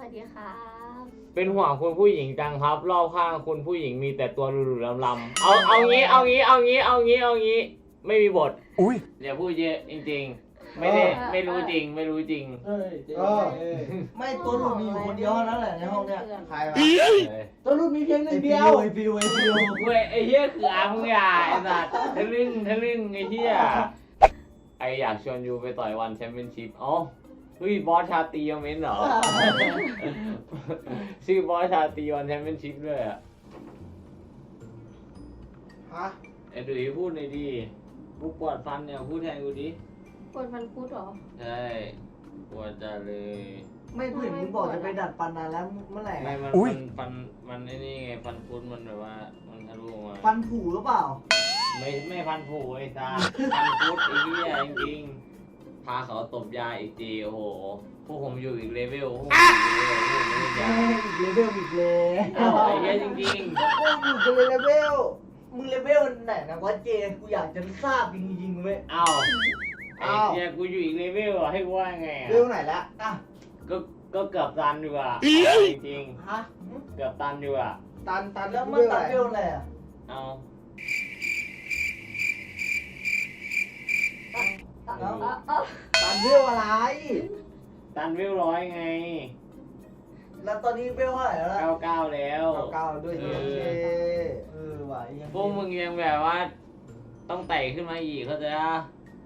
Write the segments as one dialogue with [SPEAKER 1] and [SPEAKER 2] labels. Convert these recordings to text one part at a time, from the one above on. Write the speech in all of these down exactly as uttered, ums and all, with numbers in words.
[SPEAKER 1] ดีครับ
[SPEAKER 2] เป็นห่วงคุณผู้หญิงจังครับรอบข้างคุณผู้หญิงมีแต่ตัวหลุดๆลำๆเอาเอางี้เอางี้เอางี้เอางี้เอางี้ไม่มีบทอุ้ยอย่าพูดเยอะจริงๆไม่ได้ไม่รู้จริงไม่รู้จริง
[SPEAKER 3] เอ้ย
[SPEAKER 4] เออ
[SPEAKER 3] ไม่ตัวหลุดมีอยู่คนเดียวเท่านั้นแหละในห้องเนี้ย
[SPEAKER 4] ใครวะ
[SPEAKER 3] ตัวหลุดมีเพียงหนึ่งเดียวไอฟิวไอฟิว
[SPEAKER 2] เว้ยไอ้เหี้ยคืออามึงอย่าไอ้สัตว์ทะลึ่งทะลึ่งไอ้เหี้ยไออยากชวนยูไปต่อยวันแชมเปี้ยนชิพอ๋อเฮ้ยบอสชาตรียังเม้นเหรอ ชื่อบอสชาตรีวันแชมเปี้ยนชิพด้วยอ่ะ
[SPEAKER 4] ฮะ
[SPEAKER 2] ไอ้ดุยพูดหน่อยดิกูปวดฟันเนี่ยพูดแทนกูดิ
[SPEAKER 1] ปวดฟันคุดเหรอ
[SPEAKER 2] ใช่ปวดจัดเลย
[SPEAKER 3] ไม่เพื่อนมึงบอกจะไปดัดฟันนานแล้วเมื่อไหร่
[SPEAKER 2] ไม่
[SPEAKER 3] อะ
[SPEAKER 2] มันฟันฟันมันไอ้นี่ไงฟันคุดมันแบบว่ามันทะลุออกมา
[SPEAKER 3] ฟันผุหรือเปล่า
[SPEAKER 2] ไม่ไม่ฟันผุไอ้ตาฟันคุดไอ้เหี้ยจริงๆพาเขาตบยาอีกทีโอ้โหพวกผมอยู่อีกเลเวลพวกผมอยู่อีกเลเวลพวกผมไม่ได้ยา
[SPEAKER 3] อีกเลเวลอีกเลย
[SPEAKER 2] อ้าวไอ้เหี้ยจริง
[SPEAKER 3] กูอยู่กันเลยเลเวลมึงเลเวลไหนนะวะเจนกูอยากจะทราบจริงๆเว้ย
[SPEAKER 2] ๆอ้าวไอ้เหี้ยกูอยู่อีกเลเวลอะให้กูว่าไงอะ
[SPEAKER 4] เรื่องไหนละ
[SPEAKER 3] อ่ะ
[SPEAKER 2] ก็ก็เกือบตันอยู่อะจริง
[SPEAKER 3] ฮะ
[SPEAKER 2] ๆเกือบตันอยู่อะ
[SPEAKER 4] ตันตัน
[SPEAKER 3] แล้ว
[SPEAKER 4] กู
[SPEAKER 3] มัน
[SPEAKER 4] เรื่อง
[SPEAKER 3] ตัด
[SPEAKER 4] อะไร
[SPEAKER 3] เวลอะไรอ่ะ
[SPEAKER 2] เอา
[SPEAKER 1] เออเออ
[SPEAKER 4] ตันเรื่องอะไร
[SPEAKER 2] ตันเวลร้อยไง
[SPEAKER 3] แล้วตอนนี้เวลเท่าไหร่แล้วล่ะ
[SPEAKER 2] เก้าเก้าแล้ว
[SPEAKER 4] เก้าเก้าด้วย
[SPEAKER 2] เอ
[SPEAKER 4] โอ
[SPEAKER 2] อ
[SPEAKER 4] เค
[SPEAKER 3] เออว่ะยัง
[SPEAKER 2] พวกมึงยังแบบว่า ต้องไต่ขึ้นมาอีกเข้าใจปะ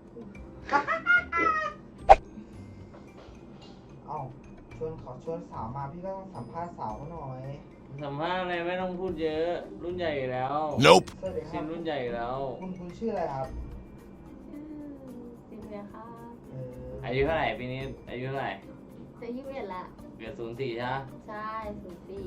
[SPEAKER 4] เอ้าชวนขอชวนสาวมาพี่ก็ต้องสัมภาษณ์สาวเขาหน่อย
[SPEAKER 2] สัมภาษณ์อะไรไม่ต้องพูดเยอะ รุ่นใหญ่อยู่แล้ว
[SPEAKER 5] Nope
[SPEAKER 4] สวัสดีค
[SPEAKER 2] ชิ
[SPEAKER 4] รับ
[SPEAKER 2] นรุ่นใหญ่อยู่แล้ว
[SPEAKER 4] คุณคุณชื่ออะไรครับ
[SPEAKER 1] สิบเอ็ดครับ
[SPEAKER 4] เออ
[SPEAKER 2] อายุเท่าไหร่ปีนี้อายุเท่าไหร่
[SPEAKER 1] จะยี่สิบเอ็ดละ
[SPEAKER 2] เกิดศูนย์สี่ใช่ปะ
[SPEAKER 1] ใช่ศูนย์สี่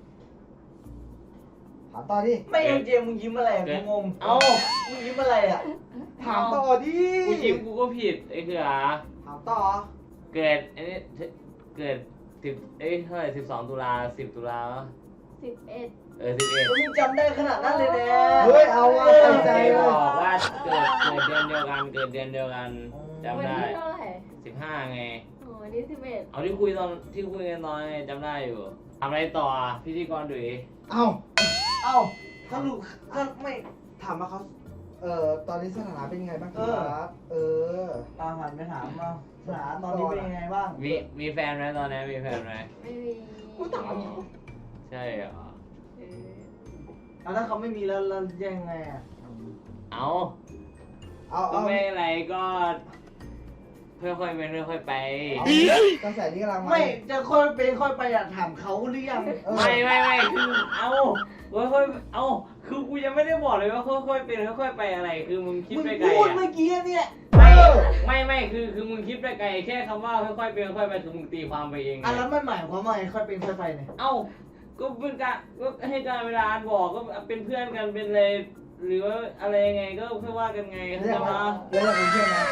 [SPEAKER 4] ถามต่อดิ
[SPEAKER 3] ไม่ยังเจมมึงยิ้มอะไรอะกูงง
[SPEAKER 2] เอ้า
[SPEAKER 3] มึงยิ้มอะไรอ่ะ
[SPEAKER 4] ถามต่อดิ
[SPEAKER 2] กูจิ้มกูก็ผิดไอ้เขือ
[SPEAKER 4] ถามต่อ
[SPEAKER 2] เกิดไอ้นี่เกิดสิบเอ้ยเท่าไหร่สิบสองตุลาสิบตุลาปะ
[SPEAKER 1] สิบเอ็ด
[SPEAKER 2] เออสิบเอ็ด
[SPEAKER 3] มึงจำได้ขนาดนั้นเลยเนี่ย
[SPEAKER 4] เฮ้ยเอาว่ะใส่ใจ
[SPEAKER 2] ใจบ
[SPEAKER 4] ว่ะ
[SPEAKER 2] อกว่าเกิดเกิดเดือนเดียวกันเกิดเดือนเดียวกันจำ
[SPEAKER 1] วัน
[SPEAKER 2] ได้
[SPEAKER 1] ที่เท่าไหร่
[SPEAKER 2] สิบห้าไง
[SPEAKER 1] อ๋อวันที่สิบเอ็ด
[SPEAKER 2] เอาที่คุยตอนที่คุยกันตอนไงจำได้อยู่ทำอะไรต่ออ่ะพิธีกรดุย
[SPEAKER 4] เอ้า
[SPEAKER 3] เอ้าสรุปก็ไม่
[SPEAKER 4] ถามว่าเขาเอ่อตอนนี้สถานะเป็นยังไงบ้างค
[SPEAKER 3] เอ
[SPEAKER 4] รั
[SPEAKER 3] อ
[SPEAKER 4] บ เออ
[SPEAKER 3] ตามหันไปถามมาสถานะตอนนี้เป็นยังไงบ้าง
[SPEAKER 2] มีมีแฟนไหมตอนนี้มีแฟนไหม
[SPEAKER 1] ไม่มี
[SPEAKER 4] กูถาม
[SPEAKER 2] ใช่เหรอ
[SPEAKER 1] เออ
[SPEAKER 3] เอาถ้าเขาไม่มีแล้วแล้วยังไงอ่ะ
[SPEAKER 2] เอา
[SPEAKER 4] เอา
[SPEAKER 2] ก็
[SPEAKER 4] เอา
[SPEAKER 2] ไม่อะไรก็ค่อยๆเป็นค่อยๆไป
[SPEAKER 4] เอากระแสนี้กำลังมา
[SPEAKER 3] ไม่จะค่อยเป็นค่อยไปอยากถามเขาหรือยัง
[SPEAKER 4] เออ
[SPEAKER 2] ไม่ไม่ไม่คือเอาค่อยๆเอาคือกูยังไม่ได้บอกเลยว่าค่อยๆเป็นค่อยๆไปอะไร คือมึงคิด
[SPEAKER 3] มึง
[SPEAKER 2] ไปไกล
[SPEAKER 3] พูด
[SPEAKER 2] อ่ะ
[SPEAKER 3] เมื่อกี้เนี่ย
[SPEAKER 2] ไม่ไม่ไม่คือคือมึงคิดไปไกลแค่คำว่าค่อยๆเป็นค่อยๆไปคือมึงตีความไปเองไง
[SPEAKER 3] อ่ะแล้วมันหมายความว่าไงค่อยเป็นค่อยไปเนี่ย
[SPEAKER 2] เอ้าก็เป็นการก็ให้การเวลาบอกก็เป็นเพื่อนกันเป็นอะไรหรือว่าอะไรยังไงก็ค่อยว่ากันไงเข้า
[SPEAKER 4] เรี
[SPEAKER 2] ใจ
[SPEAKER 4] ยก
[SPEAKER 2] ไหม
[SPEAKER 4] ว่าเรียกว่าเป็นเพื่อนนะ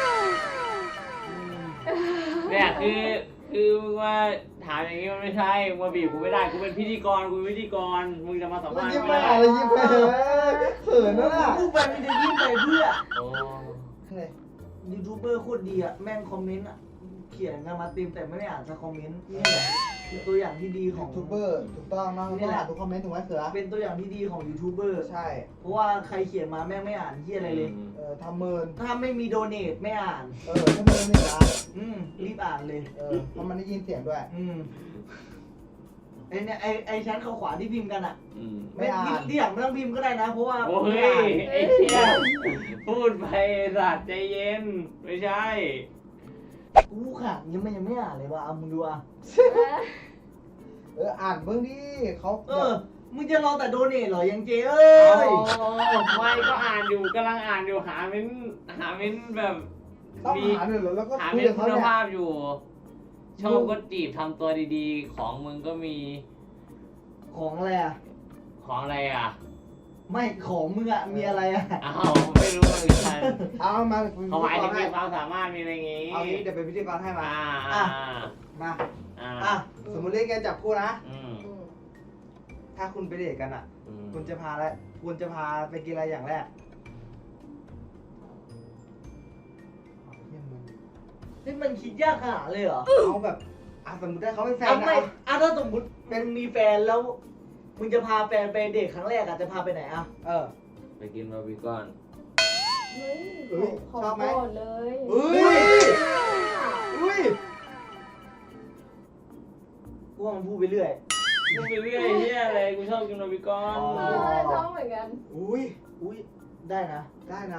[SPEAKER 2] เนี่ยคือคือมึงว่าถามอย่างนี้มันไม่ใช่มึงมาบีบกูไม่ได้กูเป็นพิธีกรกูเป็นพิธีกรมึงจะมาสัม
[SPEAKER 4] มัน
[SPEAKER 2] ภาษณ์
[SPEAKER 4] ยิ้ม
[SPEAKER 2] ไม่
[SPEAKER 4] ไป
[SPEAKER 2] ได้
[SPEAKER 4] อะไรยิ้มไปเลยเขินนะน่ะ
[SPEAKER 3] พูดไปมันจะยิ้มไปเพื่อ
[SPEAKER 2] โอ้
[SPEAKER 4] เนี่ย
[SPEAKER 3] ยูทูบเบอร์โคตรดีอ่ะแม่งคอมเมนต์อ่ะเขียนกันมาเต็มแต่ไม่ได้อ่านสักคอมเมนต์นี่แหละคือตัวอย่างที่ดีข
[SPEAKER 4] ยู
[SPEAKER 3] อง
[SPEAKER 4] ทูบเบอร์ถูกต้องเนาะต้องอ่านทุกคอมเมนต์ถูกไหมเสือ
[SPEAKER 3] เป็นตัวอย่างที่ดีของยูทูบเบอร์
[SPEAKER 4] ใช่
[SPEAKER 3] เพราะว่าใครเขียนมาแม่งไม่อ่านเหียอะไรเลย
[SPEAKER 4] เออทำเมิน
[SPEAKER 3] ถ้าไม่มีโดเนทไม่อ่าน
[SPEAKER 4] เออถ้าเมินนี่นะ
[SPEAKER 3] อืมรีบอ่านเลย
[SPEAKER 4] เออเพราะมันได้ยินเสียงด้วย
[SPEAKER 3] อืมไอเนี่ยไอไอชั้นขาวขวาที่พิมพ์กันอ่ะ
[SPEAKER 2] อืม
[SPEAKER 4] ไม่อ่าน
[SPEAKER 3] ที่อย่างไม่ต้องพิมพ์ก็ได้นะ เพราะว่า
[SPEAKER 2] โอ้
[SPEAKER 3] ไม่
[SPEAKER 2] ย
[SPEAKER 3] อ่าน
[SPEAKER 2] ไอ้เชี่ยพูดไปสัตว์ใจเย็นไม่ใช่
[SPEAKER 3] กูขาดยังไม่ยังไม่อ่านเลยว่ะเอามึงดูอ่ะ
[SPEAKER 4] เอออ่านเบื้องดิเขา
[SPEAKER 3] เออมึงจะรอแต่โดเนทเหรอยังเจเอ้
[SPEAKER 2] โอ้
[SPEAKER 3] ย
[SPEAKER 2] ไม่ก็อ่านอยู่กำลังอ่านอยู่หาเม้นหาเม้นแบบ
[SPEAKER 4] ต้อง
[SPEAKER 2] มี
[SPEAKER 4] หาหน่อยเหรอแล้วก็
[SPEAKER 2] หา
[SPEAKER 4] คุย
[SPEAKER 2] เม้น
[SPEAKER 4] กับเขา
[SPEAKER 2] คุณ
[SPEAKER 4] เนี่ย
[SPEAKER 2] ภาพอยู่ ชอบก็จีบทำตัวดีๆ ของมึงก็มี
[SPEAKER 3] ของอะไรอ่ะ
[SPEAKER 2] ของอะไรอ่ะ
[SPEAKER 3] ไม่ของมึงอ่ะมีอะไรอ่ะ
[SPEAKER 2] อ้าวไม่รู้เหมือนกัน
[SPEAKER 4] เอามา
[SPEAKER 2] เขาหมายถึง
[SPEAKER 4] ให้
[SPEAKER 2] มีความสามารถมีอะไรอย่างงี้
[SPEAKER 4] เอางี้เดี๋ยวเป็นพิธีกรให้มา
[SPEAKER 2] อ่าอ่า
[SPEAKER 4] มา
[SPEAKER 2] อ่า
[SPEAKER 3] อ่ะ
[SPEAKER 4] สมมติเล่นเกมจับคู่นะ
[SPEAKER 2] อืม
[SPEAKER 1] อืม
[SPEAKER 4] ถ้าคุณไปเดทกันอ่ะ
[SPEAKER 2] อืม
[SPEAKER 4] คุณจะพาอะไรคุณจะพาไปกินอะไรอย่างแรกเอาเยี่ยมมึง
[SPEAKER 3] นี่มันคิดยากขนาดเลยเหรอ
[SPEAKER 4] เอาแบบอ่ะสมมติได้เขาเป็นแฟน
[SPEAKER 3] อ่ะ
[SPEAKER 4] นะ
[SPEAKER 3] ไม่
[SPEAKER 4] อ่ะ
[SPEAKER 3] อ่ะถ้าสมมติมึงมีแฟนแล้ว มึงจะพาแฟนไปเดทครั้งแรกอ่ะจะพาไปไหนอ่ะ
[SPEAKER 4] เออ
[SPEAKER 2] ไปกินบาร์บีคอน
[SPEAKER 1] เฮ้ย
[SPEAKER 4] เฮ้ย
[SPEAKER 1] ของ
[SPEAKER 4] ชอบไหม
[SPEAKER 1] โปรดเลย
[SPEAKER 4] เฮ้ยอุ้ย
[SPEAKER 3] กูว่ามันพูดไปเรื่อย
[SPEAKER 2] กูไปเรื่อยเฮียอะไรกูชอบกินบาร์บีคอน
[SPEAKER 1] เออชอบเหมือนกัน
[SPEAKER 4] อุ้ย
[SPEAKER 3] อุ้ยได้นะ
[SPEAKER 4] ได้นะ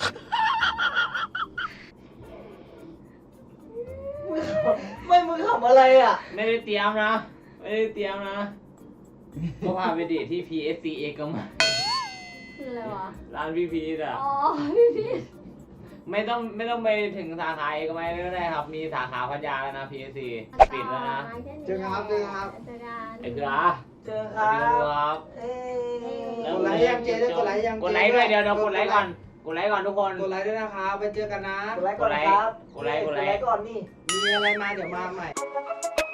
[SPEAKER 3] ไม่มึงขำอะไรอ่ะ
[SPEAKER 2] ไม่ได้เตรียมนะไม่ได้เตรียมนะก็พาไปเดทที่ พี เอส ซี เอกมัย
[SPEAKER 1] คืออะไรวะ
[SPEAKER 2] ร้านพี่พีทอ่ะ
[SPEAKER 1] อ๋อพี่พี่
[SPEAKER 2] ไม่ต้องไม่ต้องไปถึงสาขาเอกมัยก็ได้ครับ มีสาขาพัทยาแล้วนะ พี เอส ซี ปิดแล้วนะ
[SPEAKER 4] เจอกันครับเจอกันครับ
[SPEAKER 1] เจอกัน
[SPEAKER 2] ไอ้เขือ
[SPEAKER 3] เจอค
[SPEAKER 2] สวั
[SPEAKER 3] รั
[SPEAKER 2] สดีครับ
[SPEAKER 3] บ เอ้ย
[SPEAKER 4] กดไลค์ยังเจได้กดไลค์ยัง
[SPEAKER 2] กดไลค์ด้วยเดี๋ยวเดี๋ยวกดไลค์ก่อน กดไลค์ก่อนทุกคน
[SPEAKER 4] กดไลค์ด้วยนะครับไปเจอกันนะ
[SPEAKER 3] กดไลค์ก่อนครับ
[SPEAKER 2] กดไลค์กดไลค์
[SPEAKER 3] กดไลค์ก่อนนี่
[SPEAKER 4] มีอะไรมาเดี๋ยวมาใหม่